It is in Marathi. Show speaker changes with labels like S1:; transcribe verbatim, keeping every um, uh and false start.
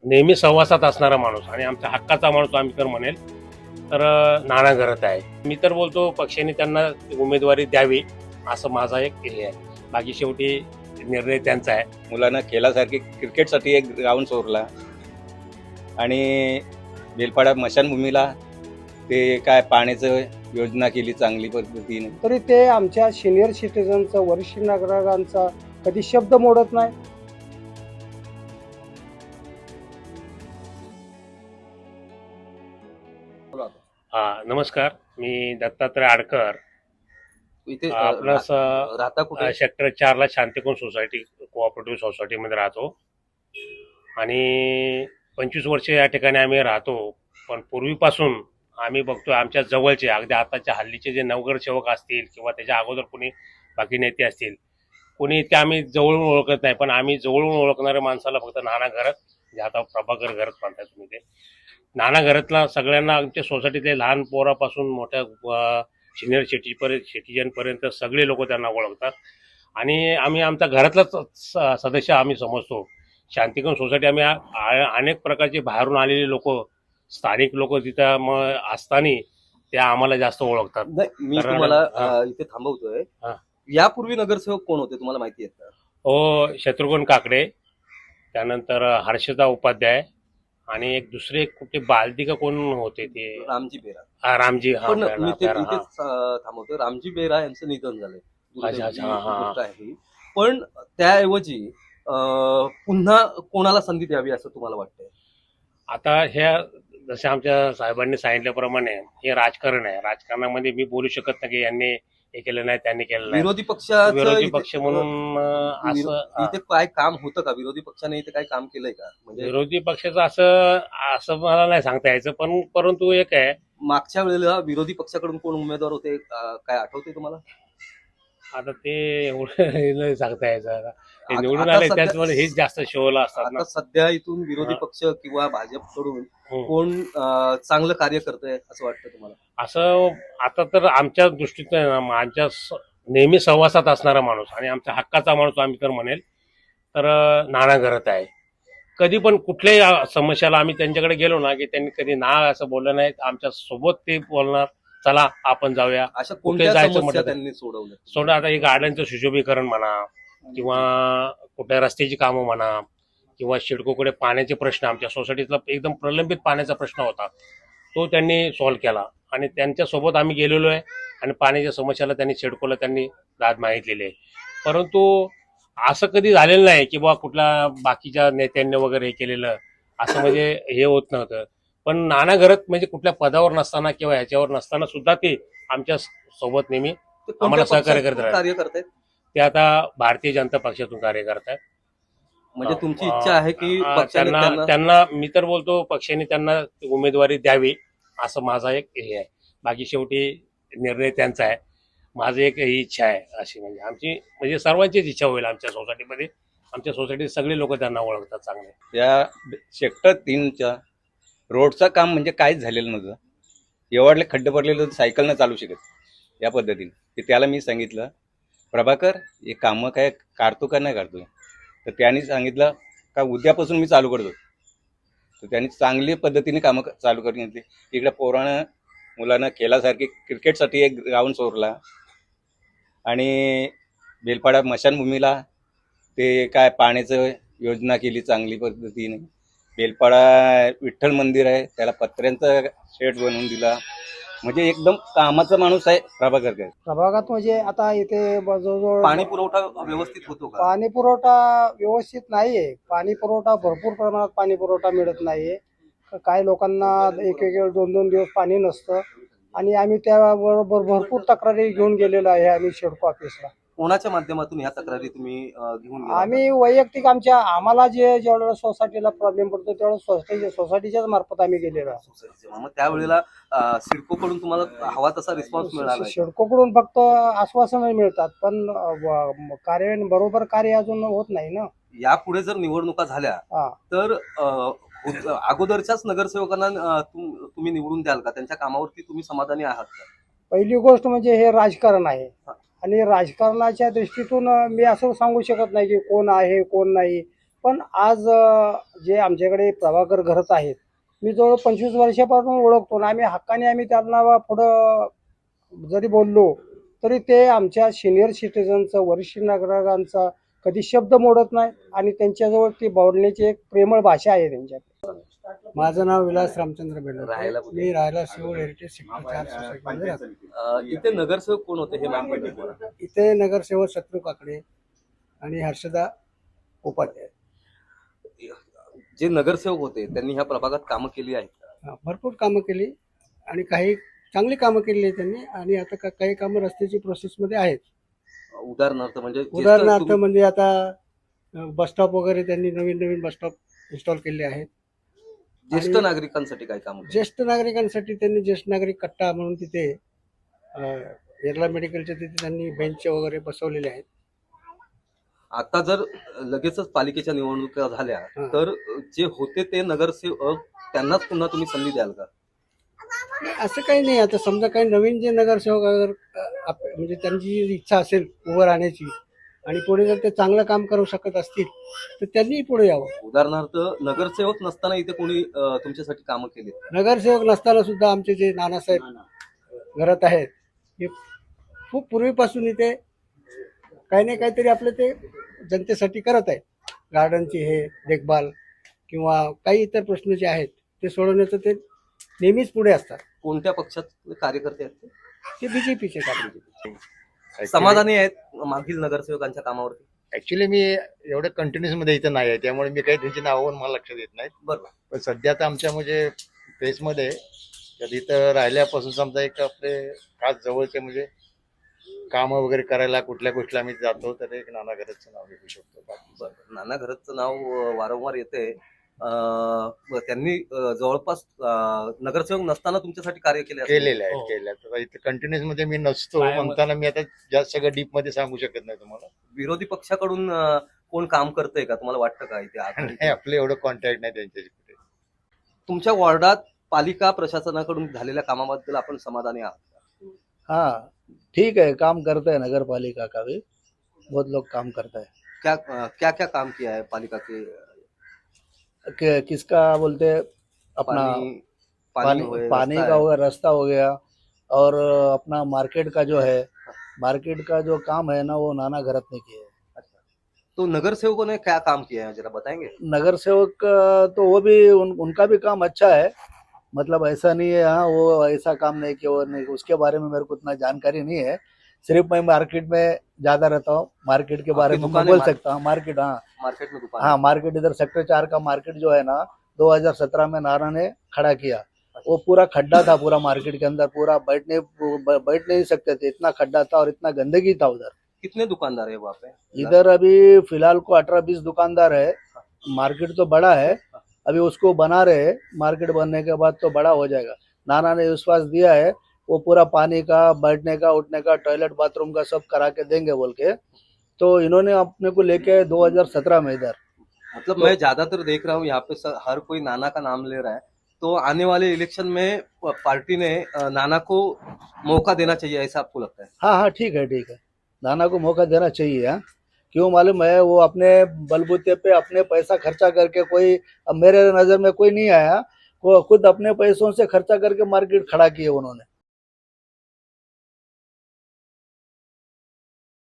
S1: नेहमी सहवासात असणारा माणूस आणि आमच्या हक्काचा माणूस आम्ही तर म्हणेल तर नाना घरत आहे. मी तर बोलतो पक्षाने त्यांना उमेदवारी द्यावी असं माझा एक हे आहे. बाकी शेवटी निर्णय त्यांचा आहे.
S2: मुलांना खेळासारखी क्रिकेटसाठी एक ग्राउंड सोडला आणि बेलपाडा मशानभूमीला ते काय पाण्याचं योजना केली चांगली पद्धतीने.
S3: तरी ते आमच्या सिनियर सिटीजनचं वरिष्ठ नागरिकांचा कधी शब्द मोडत नाही.
S1: हा नमस्कार, मी दत्तात्रय आडकर.
S4: इथे अ,
S1: आपलं
S4: रा-
S1: असं
S4: राहता कुठे?
S1: सेक्टर चार ला शांतिकोन सोसायटी कोऑपरेटिव्ह सोसायटीमध्ये राहतो आणि पंचवीस वर्ष या ठिकाणी आम्ही राहतो. पण पूर्वीपासून आम्ही बघतोय आमच्या जवळचे अगदी आताच्या हल्लीचे जे नवगरसेवक असतील किंवा त्याच्या अगोदर कोणी बाकी नेते असतील, कोणी इतके आम्ही जवळून ओळखत नाही, पण आम्ही जवळून ओळखणाऱ्या माणसाला फक्त नाना घरत, जे आता प्रभाकर घरत म्हणताय तुम्ही, ते नाना घरतला सगळ्यांना आमच्या सोसायटीतले लहान पोरापासून मोठ्या सिनियर सिटीपर्यंत सिटीजनपर्यंत सगळे लोक त्यांना ओळखतात आणि आम्ही आमच्या घरातलाच स- सदस्य आम्ही समजतो. शांतिकोन सोसायटी आम्ही आ- आ- अनेक प्रकारचे बाहेरून आलेले लोक, स्थानिक लोक तिथं मग असताना ते आम्हाला जास्त ओळखतात.
S4: नाही, मी
S1: तर-
S4: तुम्हाला
S1: हा.
S4: अ, इथे थांबवतोय.
S1: हा.
S4: यापूर्वी नगरसेवक कोण होते तुम्हाला माहिती आहे का?
S1: हो, शत्रुघ्न काकडे, त्यानंतर हर्षदा उपाध्याय आणि एक दुसरे कुठे बालदी का कोण होते ते,
S4: रामजी बेरा.
S1: हा, रामजी. हा,
S4: पण
S1: बेरा-
S4: मी ते
S1: बेरा, हा.
S4: इथेच अ, थांबवतोय. रामजी बेरा यांचं निधन झालंय.
S1: अच्छा, अच्छा, हा, हा.
S4: गोष्ट आहे ही. पण त्याऐवजी अ, पुन्हा कोणाला संधी द्यावी असं तुम्हाला वाटतंय?
S1: आता ह्या जसं आमच्या साहेबांनी सांगितल्याप्रमाणे हे राजकारण आहे. राजकारणामध्ये मी बोलू शकत नाही की यांनी हे केलं नाही, त्यांनी केलं नाही.
S4: विरोधी पक्षाचं
S1: विरोधी
S4: इथे-
S1: पक्ष म्हणून अं,
S4: विरो-
S1: असं
S4: इथे काय काम होतं का? विरोधी पक्षाने इथे काय काम केलंय का? म्हणजे
S1: विरोधी पक्षाचं असं असं मला नाही सांगता यायचं, पण परंतु एक आहे,
S4: मागच्या वेळेला विरोधी पक्षाकडून कोण उमेदवार होते अ, काय आठवते तुम्हाला?
S1: आता ते एवढं नाही सांगता यायचं. आता ते
S4: आता-
S1: निवडून
S4: आता
S1: आले
S4: सध्या-
S1: त्याचमुळे हेच जास्त शोला असतात ना.
S4: आता सध्या इथून विरोधी
S1: हा.
S4: पक्ष किंवा भाजपकडून
S1: हम्म.
S4: कोण अं, चांगलं कार्य करतंय असं वाटतं तुम्हाला?
S1: असं आता तर आमच्या दृष्टीतून आहे ना, आमच्या स- नेहमी सहवासात असणारा माणूस आणि आमच्या हक्काचा माणूस आम्ही तर म्हणेल तर नाना घरत आहे. कधी पण कुठल्याही अ, समस्याला आम्ही त्यांच्याकडे गेलो ना की त्यांनी कधी ना असं बोललं नाही. आमच्या सोबत ते बोलणार, चला आपण जाऊया.
S4: अशा कोणत्या
S1: जायचं
S4: समस्या
S1: म्हटलं तर-
S4: त्यांनी सोडवल्या?
S1: सोडा आता एक गार्डनचं सुशोभीकरण म्हणा किंवा कुठल्या रस्त्याची कामं म्हणा किंवा शिडकोकडे पाण्याचे प्रश्न, आमच्या सोसायटीतला एकदम प्रलंबित पाण्याचा प्रश्न होता, तो त्यांनी सॉल्व्ह केला आणि त्यांच्यासोबत आम्ही गेलेलो आहे आणि पाण्याच्या समस्याला त्यांनी सिडकोला त्यांनी दाद मागितलेली आहे. परंतु असं कधी झालेलं नाही की बा कुठल्या बाकीच्या नेत्यांनी वगैरे हे केलेलं असं म्हणजे हे होत नव्हतं. पण नाना घरत म्हणजे कुठल्या पदावर नसताना किंवा ह्याच्यावर नसताना सुद्धा ते आमच्या सोबत नेहमी
S4: ते कोणत्या
S1: आम्हाला सहकार्य
S4: पक्षातून
S1: करत
S4: कार्य करतायत?
S1: ते आता भारतीय जनता पक्षातून कार्य करतात.
S4: म्हणजे तुमची इच्छा आहे की
S1: अं,
S4: पक्षाने
S1: त्यांना
S4: त्यांना
S1: त्यांना मी तर बोलतो पक्षाने त्यांना उमेदवारी द्यावी असं माझा एक हे आहे. बाकी शेवटी निर्णय त्यांचा आहे. माझी एक ही इच्छा आहे अशी, म्हणजे आमची म्हणजे सर्वांचीच इच्छा होईल. आमच्या सोसायटीमध्ये आमच्या सोसायटीत सगळे लोक त्यांना ओळखतात चांगले.
S2: या सेक्टर तीनच्या रोडचं काम म्हणजे काहीच झालेलं नव्हतं. एवढले खड्डे पडलेले तर सायकल न चालू शकत या पद्धतीने. की त्याला मी सांगितलं, प्रभाकर हे कामं काय काढतो का नाही काढतो, तर त्यांनी सांगितलं का उद्यापासून मी चालू करतो. तर त्यांनी चांगली पद्धतीने कामं क- चालू करून घेतली. इकडे पोरानं मुलांना खेळासारखी क्रिकेटसाठी एक ग्राउंड सोडला आणि बेलपाडा मशानभूमीला ते काय पाण्याचं योजना केली चांगली पद्धतीने. बेलपाडा विठ्ठल मंदिर आहे, त्याला पत्र्यांचा शेड बनवून दिला. म्हणजे एकदम कामाचा माणूस आहे प्रभाकर काय.
S3: प्रभागात म्हणजे आता इथे ब- जवळजवळ
S4: पाणी पुरवठा व्यवस्थित होतो का?
S3: पाणी पुरवठा व्यवस्थित नाहीये. पाणी पुरवठा भरपूर प्रमाणात पाणी पुरवठा मिळत नाहीये. क- काही लोकांना एक एक दोन दोन दिवस पाणी नसतं आणि आम्ही त्याबरोबर भरपूर तक्रारी घेऊन गेलेलो आहे आम्ही शेडको ऑफिसला.
S4: कोणाच्या माध्यमातून ह्या तक्रारी तुम्ही अं, घेऊन गेला?
S3: आम्ही वैयक्तिक आमच्या आम्हाला जे जेवढं सोसायटीला प्रॉब्लेम पडतो तेवढं सोसायटी सोसायटीच्याच मार्फत आम्ही गेलेलो आहे.
S4: सोसायटीचे. मग त्यावेळेला अं, सिडकोकडून तुम्हाला हवा तसा रिस्पॉन्स मिळाला आहे?
S3: शेडकोकडून फक्त आश्वासन मिळतात, पण अ, व- कार्यान्वयन बरोबर कार्य अजून होत नाही ना.
S4: यापुढे जर निवडणुका झाल्या
S3: हा.
S4: तर अं, होत- अगोदरच्याच नगरसेवकांना अं, तुम- तुम्ही निवडून द्याल का? त्यांच्या कामावरती तुम्ही समाधानी आहात का?
S3: पहिली गोष्ट म्हणजे हे राजकारण आहे आणि राजकारणाच्या दृष्टीतून अ, मी असं सांगू शकत नाही की कोण आहे कोण नाही, पण आज अ, जे आमच्याकडे प्रभाकर घरत आहेत, मी जवळ पंचवीस वर्षापासून ओळखतो आणि आम्ही हक्काने आम्ही त्यांना पुढं जरी बोललो तरी ते आमच्या सिनियर सिटीजनचं, वरिष्ठ नागरिकांचा कधी शब्द मोडत नाही आणि त्यांच्याजवळ ती बोलण्याची एक प्रेमळ भाषा आहे त्यांच्याकडे. माझं नाव विलास रामचंद्र
S4: राहायला
S3: बेल्ले.
S4: कुठे?
S3: मी राहायला सिव्हिल हेरिटेज सेक्टर चार सोसायटीमध्ये राहतो.
S4: अ, इथे नगरसेवक कोण होते हे माहिती आहे तुम्हाला?
S3: इथे नगरसेवक शत्रू काकडे आणि हर्षदा उपाध्याय.
S4: जे नगरसेवक होते त्यांनी ह्या प्रभागात कामं केली आहेत का?
S3: हा, भरपूर कामं केली आणि काही चांगली कामं केली आहे त्यांनी आणि आता का- काही कामं रस्त्याची प्रोसेसमध्ये आहेत.
S4: उदाहरणार्थ म्हणजे ज्येष्ठ
S3: उदाहरणार्थ
S4: तुम्ही-
S3: म्हणजे आता बसस्टॉप वगैरे त्यांनी नवीन नवीन बसस्टॉप इन्स्टॉल केले आहेत.
S4: ज्येष्ठ
S3: आणि
S4: नागरिकांसाठी काय काम
S3: ज्येष्ठ नागरिकांसाठी त्यांनी ज्येष्ठ नागरिक कट्टा म्हणून तिथे अ, येरला मेडिकलच्या तिथे त्यांनी बेंच वगैरे बसवलेले आहेत.
S4: आता जर लगेचच पालिकेच्या निवडणुका झाल्या
S3: हा.
S4: तर जे होते ते नगरसेवक त्यांनाच पुन्हा तुम्ही संधी द्याल का?
S3: नाही, असं काही नाही. आता समजा काही नवीन जे नगरसेवक अगर अ, आप- म्हणजे त्यांची जी इच्छा असेल उभं राहण्याची आणि पुढे जर ते चांगलं काम करू शकत असतील तर त्यांनी पुढे यावं.
S4: उदाहरणार्थ नगरसेवक नसताना इथे कोणी अ, तुमच्यासाठी कामं केली?
S3: नगरसेवक नसताना सुद्धा आमचे जे नानासाहेब घरात आहेत हे खूप पूर्वीपासून इथे काही नाही काहीतरी आपलं ते जनतेसाठी करत आहे. गार्डनची हे देखभाल किंवा काही इतर प्रश्न जे आहेत ते सोडवण्याचं ते नेहमीच पुढे असतात.
S4: कोणत्या पक्षात कार्यकर्ते आहेत ते?
S3: ते बीजेपीचे कार्यकर्ते.
S4: समाधानी आहेत मागील नगरसेवकांच्या कामावरती?
S5: ऍक्च्युली मी एवढं कंटिन्युअस मध्ये इथं नाही आहे, त्यामुळे मी काही त्यांची नावं मला लक्षात येत नाहीत.
S4: बरोबर.
S5: पण सध्या तर आमच्या म्हणजे फेसमध्ये तर इथं राहिल्यापासून समजा एक आपले खास जवळचे म्हणजे कामं वगैरे करायला कुठल्या गोष्टीला आम्ही जातो तर एक नाना घरचं नाव घेऊ शकतो. बाकी
S4: बरं. नाना घरतचं नाव अ, वारंवार येते. त्यांनी अ, जवळपास अ, नगरसेवक नसताना तुमच्यासाठी कार्य केले असेल.
S5: केलेले आहेत
S1: हो.
S5: केले आहेत. आता इथं कंटिन्युअस मध्ये मी नसतो
S1: कायम-
S5: म्हणताना मी आता जास्त सगळं डीप मध्ये सांगू शकत नाही तुम्हाला.
S4: विरोधी पक्षाकडून अ, कोण काम करतंय का तुम्हाला वाटतं का इथे आघाडीत?
S5: नाही, आपलं एवढं कॉन्टॅक्ट नाही त्यांच्याशी कुठे.
S4: तुमच्या वॉर्डात पालिका प्रशासनाकडून झालेल्या कामाबद्दल आपण समाधानी आहात?
S6: हाँ ठीक है, काम करते हैं नगर पालिका का भी, बहुत लोग काम करता है.
S4: क्या अ, क्या क्या काम किया है पालिका के?
S6: कि, किसका बोलते हैं अपना
S4: पानी
S6: पानी
S4: हुए,
S6: पानी
S4: रास्ता
S6: का
S4: है।
S6: हो गया, रास्ता हो गया और अपना मार्केट का जो है मार्केट का जो काम है ना वो नाना घरत ने किया है.
S4: अच्छा, तो नगरसेवकों ने क्या काम किया है जरा बताएंगे?
S6: नगर सेवक का तो वो भी उन, उनका भी काम अच्छा है, मतलब ऐसा नहीं है हाँ वो ऐसा काम नहीं किया वो नहीं, उसके बारे में मेरे को उतना जानकारी नहीं है. सिर्फ मैं मार्केट में ज्यादा रहता हूँ, मार्केट के बारे
S4: आपकी
S6: में मैं
S4: दुकान है
S6: बोल
S4: मार्केट?
S6: सकता हूँ. मार्केट हाँ
S4: मार्केट में दुकान
S6: हाँ
S4: है।
S6: मार्केट इधर सेक्टर चार का मार्केट जो है ना दो हज़ार सत्रह में नारा ने खड़ा किया. वो पूरा खड्डा था पूरा मार्केट के अंदर, पूरा बैठने बैठ नहीं सकते थे, इतना खड्डा था और इतना गंदगी था उधर.
S4: कितने दुकानदार है वहाँ पे?
S6: इधर अभी फिलहाल को अठारह बीस दुकानदार है. मार्केट तो बड़ा है, अभी उसको बना रहे हैं, मार्केट बनने के बाद तो बड़ा हो जाएगा. नाना ने विश्वास दिया है वो पूरा पानी का, बैठने का, उठने का, टॉयलेट बाथरूम का सब करा के देंगे बोल के. तो इन्होंने अपने को लेके दो हज़ार सत्रह में इधर
S4: मतलब मैं ज्यादातर देख रहा हूँ यहाँ पे स- हर कोई नाना का नाम ले रहा है, तो आने वाले इलेक्शन में प- पार्टी ने अ, नाना को मौका देना चाहिए ऐसा आपको लगता है?
S6: हाँ हाँ ठीक है ठीक है, नाना को मौका देना चाहिए. हाँ क्यों मालूम है, वो अपने बलबूते पे अपने पैसा खर्चा करके कोई, अब मेरे नज़र में कोई नहीं आया, वो खुद अपने पैसों से खर्चा करके मार्केट खड़ा किए उन्होंने.